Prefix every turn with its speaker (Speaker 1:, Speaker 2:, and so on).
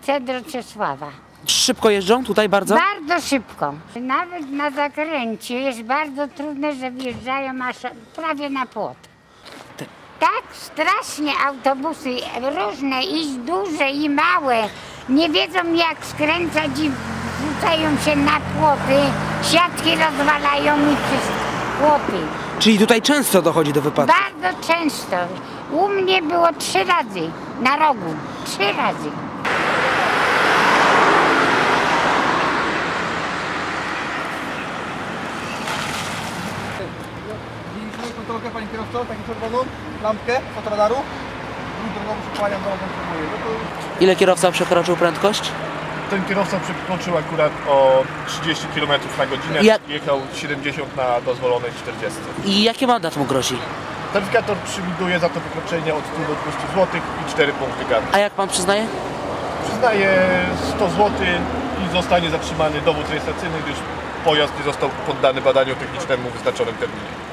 Speaker 1: Cedro Czesława.
Speaker 2: Szybko jeżdżą tutaj bardzo?
Speaker 1: Bardzo szybko. Nawet na zakręcie jest bardzo trudne, że wjeżdżają aż prawie na płot. Tak strasznie autobusy różne, i duże, i małe, nie wiedzą jak skręcać i rzucają się na płoty, siatki rozwalają i wszystko, płoty.
Speaker 2: Czyli tutaj często dochodzi do wypadków?
Speaker 1: Bardzo często. U mnie było 3 razy na rogu. 3 razy.
Speaker 3: Widzieliśmy kontrolkę, panie kierowco, taką czerwoną lampkę fotoradaru. I drogą przykłaniam, drogą potrzebuję.
Speaker 2: Ile kierowca przekroczył prędkość?
Speaker 4: Ten kierowca przekroczył akurat o 30 km na godzinę, jechał 70 na dozwolonej 40.
Speaker 2: I jaki mandat mu grozi?
Speaker 4: Taryfikator przewiduje za to wykroczenie od 100 do 200 zł i 4 punkty kary.
Speaker 2: A jak pan przyznaje?
Speaker 4: Przyznaje 100 zł i zostanie zatrzymany dowód rejestracyjny, gdyż pojazd nie został poddany badaniu technicznemu w wyznaczonym terminie.